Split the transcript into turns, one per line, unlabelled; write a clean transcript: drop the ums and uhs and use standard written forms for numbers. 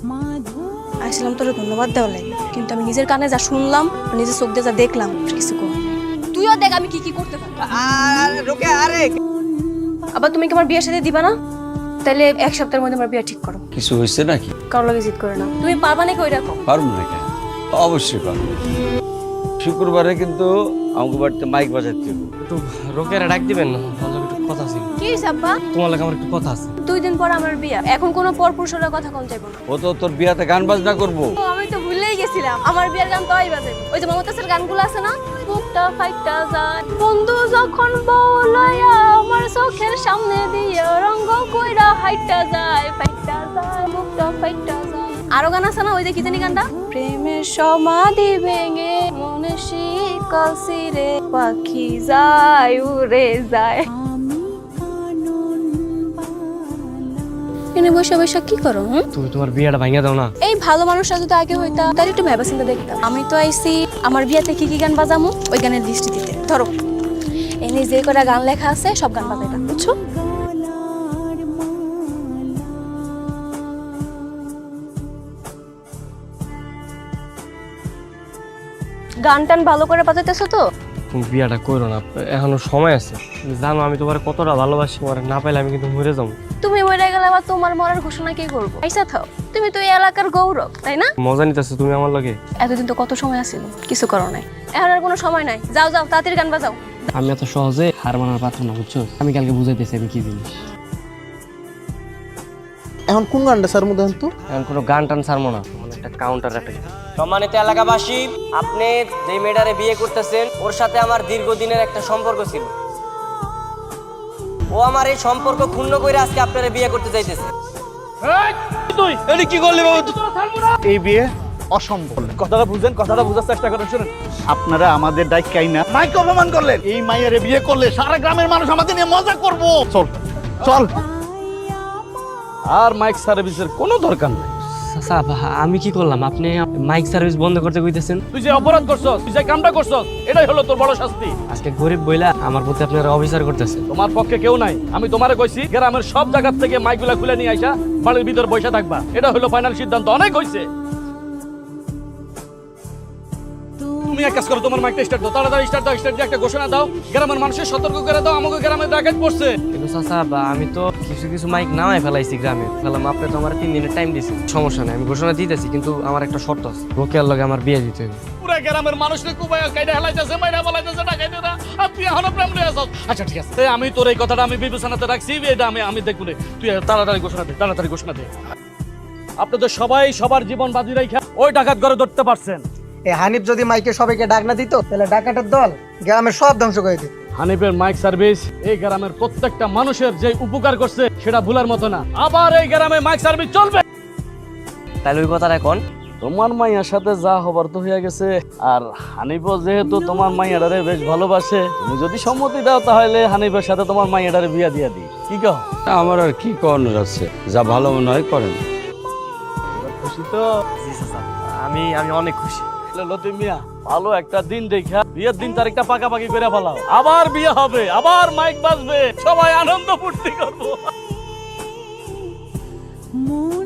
আসলাম তোর ধন্যবাদ দেওয়া লাগে, কিন্তু আমি নিজের কানে যা শুনলাম, নিজের চোখ দিয়ে যা দেখলাম, কিছু কর। তুইও দেখ আমি কি কি করতে পারি। আবার তুমি কি আমার বিয়ের সাথে দিবা না? তাহলে এক সপ্তাহের মধ্যে আমার বিয়ে ঠিক করো।
কিছু হয়েছে নাকি?
কারো লাগে জিদ করে না। তুমি পারবা নাকি ওই রকম?
পারবো না কেন? অবশ্যই পারবো। শুক্রবারে কিন্তু আমাকে বাড়িতে মাইক বাজাতে হবে।
একটু রোকেরা ডাক দিবেন না, আমার একটু কথা আছে।
কি সাব্বা?
তোমার লাগে আমার একটু কথা আছে।
2 দিন পর আমার বিয়ে, এখন কোনো পরপুরুষের কথা কম চাইবো না।
ও তো তোর বিয়াতে গান বাজনা করবো।
ও, আমি তো ভুলেই গেছিলাম, আমার বিয়ের গান তো বাজে। ওই যে মমতাজের গানগুলো আছে না, বুকটা ফাইটটা যায় বন্ধু যখন বলায়া আমার চোখের সামনে দিয়ে রঙ্গ কইরা হাইটটা যায় ফাইটটা যায় বুকটা ফাইটটা যায়। আরো গান আছে না, ওই যে কি জানি গানটা, প্রেমের সমাধি ভেঙে মনে শিকল ছিঁড়ে পাখি যায় উড়ে যায়। এনে বসে বসে কি করো?
তুমি তোমার বিয়েটা ভাঙিয়ে দাও না।
এই ভালো মানুষরা যদি আগে হইতা তাহলে একটু ভেবে চিন্তা দেখতাম। আমি তো আইছি আমার বিয়াতে কি কি গান বাজামু ওই গানের লিস্ট দিতে। ধরো এনে যে কটা গান লেখা আছে সব গান বাজাইবা, বুঝছো? গান টান ভালো করে বাজাইতেছো তো?
তুমি বিয়েটা করো না, এখনো সময় আছে। তুমি জানো আমি তোমার কতটা ভালোবাসি, তোমার না পাইলে আমি কিন্তু মরে যাবো।
তুমি মরে গেলে আবার তোমার মরার ঘোষণা কে করবো? আইসা থাও, তুমি তো এই এলাকার গৌরব, তাই না?
মজা নিতেছো তুমি আমার লগে।
এতদিন তো কত সময় আছিল, কিছু করো নাই, এখন আর কোনো সময় নাই। যাও যাও তাড়াতাড়ি গান বাজাও।
আমি এত সহজে হার মানার পাত্র না, বুঝছো? আমি কালকে বুঝাইতেছি আমি কি জিনিস।
এখন কোন গানটা স্যার মধ্যে তো
এখন কোনো গান টান ছাড়বো না, একটা কাউন্টার একটা। সম্মানিত এলাকাবাসী, আপনি যে মেয়েটারে বিয়ে করতেছেন ওর সাথে আমার দীর্ঘদিনের একটা সম্পর্ক ছিল। ও আমার এই সম্পর্ক ক্ষুণ্ণ করে আজকে আপনারা বিয়ে করতে চাইতেছে।
তুই এডি কি করলি বাবু? এই বিয়ে অসম্ভব। কথাটা বুঝেন, কথাটা বোঝার চেষ্টা করেন। শুনেন, আপনারা আমাদের ডাইকাই না মাইকে অপমান করলেন। এই মাইয়ারে বিয়ে করলে সারা গ্রামের মানুষ আমাদের নিয়ে মজা করবো। চল চল। আর মাইক সার্ভিসের কোনো দরকার নেই।
আমি কি করলাম? আপনি মাইক সার্ভিস বন্ধ করতে কইতেছেন?
তুই যে অপরাধ করছস, তুই যে কামটা করছস, এটাই হলো তোর বড় শাস্তি।
আজকে গরিব বইলা আমার প্রতি আপনারা অবিচার করতেছেন।
তোমার পক্ষে কেউ নাই। আমি তোমারে কইছি গ্রামের সব জায়গা থেকে মাইকগুলা খুলে নিয়ে আইসা বাড়ির ভিতর বসে থাকবা। এটা হলো ফাইনাল সিদ্ধান্ত। অনেক হইছে। তুমি এক কাজ করো, তোমার মাইকটা স্টার্ট দাও, তাড়াতাড়ি স্টার্ট দাও। স্টার্ট দিয়ে একটা ঘোষণা দাও, গ্রামের মানুষের সতর্ক করে দাও আমাকে গ্রামে ডাকাত পড়ছে।
কিন্তু চাচা, আমি তো কিছু কিছু মাইক নামাই ফেলাইছি গ্রামে ফেলাম। আপনি তো আমার 3 দিনের টাইম দিয়েছেন। সমস্যা নেই, আমি ঘোষণা দিতেছি, কিন্তু আমার একটা শর্ত আছে। রোকেয়ার লগে আমার বিয়ে দিতে হবে।
পুরা গ্রামের মানুষকে কুবাইয়া কাইডা হেলাইতেছে, মাইরা বলাইতেছে, ডাকাইতে না। আর তুই এখনো প্রেম লইয়া আছস। আচ্ছা ঠিক আছে, আমি তোর এই কথাটা আমি বিবেচনাতে রাখছি। এটা আমি দেখব রে। তুই তাড়াতাড়ি ঘোষণা দে, তাড়াতাড়ি ঘোষণা দে। আপনাদের সবাই সবার জীবন বাজি রাখা ওই ডাকাত ঘরে ধরতে পারছেন।
এই হানিফ যদি মাইকে সবাইকে ডাক না দিত, তাহলে ডাকাতের দল গ্রামের সব ধ্বংস করে দিত।
হানিফের মাইক সার্ভিস এই গ্রামের প্রত্যেকটা মানুষের যে উপকার করছে সেটা ভুলার মতো না। আবার এই গ্রামে মাইক সার্ভিস চলবে।
তাহলে ওই কথাটা এখন
তোমার মাইয়ার সাথে যা হবার তো হয়ে গেছে। আর হানিফও যেহেতু তোমার মাইয়াটারে বেশ ভালোবাসে, তুমি যদি সম্মতি দাও তাহলে হানিফের সাথে তোমার মাইয়াটারে বিয়া দিয়া দিই। কি কও?
আমার আর কি করানোর আছে, যা ভালো মনে হয় করেন।
খুশি তো?
জি চাচা, আমি অনেক খুশি।
লতিফ মিয়া, ভালো একটা দিন দেখা বিয়ের দিন তারিখটা পাকাপাকি করে ফেলাও। আবার বিয়ে হবে, আবার মাইক বাজবে, সবাই আনন্দ ফুর্তি করবো।